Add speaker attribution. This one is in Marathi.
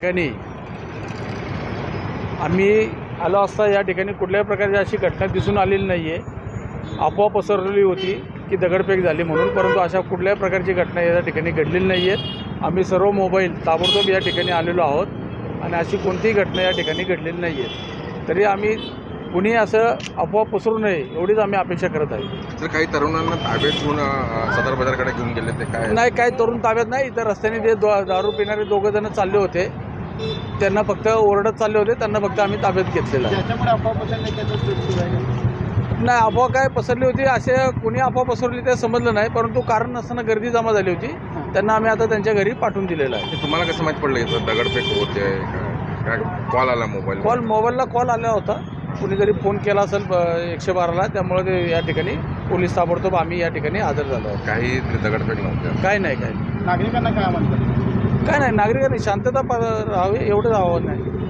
Speaker 1: ठिकाणी आम्ही आलो असता या ठिकाणी कुठल्याही प्रकारची अशी घटना दिसून आलेली नाही आहे। अफवा पसरलेली होती की दगडफेक झाली म्हणून, परंतु अशा कुठल्याही प्रकारची घटना या ठिकाणी घडलेली नाही आहे। आम्ही सर्व मोबाईल ताबडतोब या ठिकाणी आलेलो आहोत आणि अशी कोणतीही घटना या ठिकाणी घडलेली नाही आहे। तरी आम्ही कुणी असं अफवा पसरू नये एवढीच आम्ही अपेक्षा करत आहे।
Speaker 2: तर काही तरुणांना ताब्यात घेऊन सदर बाजारकडे घेऊन गेले ते काय
Speaker 1: नाही, काही तरुण ताब्यात नाही। इतर रस्त्याने ते दारू पिणारे दोघं जण चालले होते, त्यांना फक्त ओरडत चालले होते, त्यांना फक्त आम्ही ताब्यात घेतलेलं आहे।
Speaker 3: त्याच्यामुळे अफवा पसरली
Speaker 1: नाही, अफवा काय पसरली होती असे कुणी अफवा पसरली ते समजलं नाही, परंतु कारण नसताना गर्दी जमा झाली होती, त्यांना आम्ही आता त्यांच्या घरी पाठवून दिलेलं आहे।
Speaker 2: तुम्हाला कसं माहीत पडलं याचं दगडफेक होते? काय कॉल आला मोबाईलला
Speaker 1: कॉल आला होता, कुणीतरी फोन केला असेल 112ला, त्यामुळे ते या ठिकाणी पोलीस ताबडतोब आम्ही या ठिकाणी हजर झालो आहोत।
Speaker 2: काही दगडफेक नव्हते?
Speaker 1: काय नाही,
Speaker 3: नागरिकांना काय म्हणतात?
Speaker 1: काय नाही, नागरिकांनी शांतता राहावी एवढंच आव्हान आहे।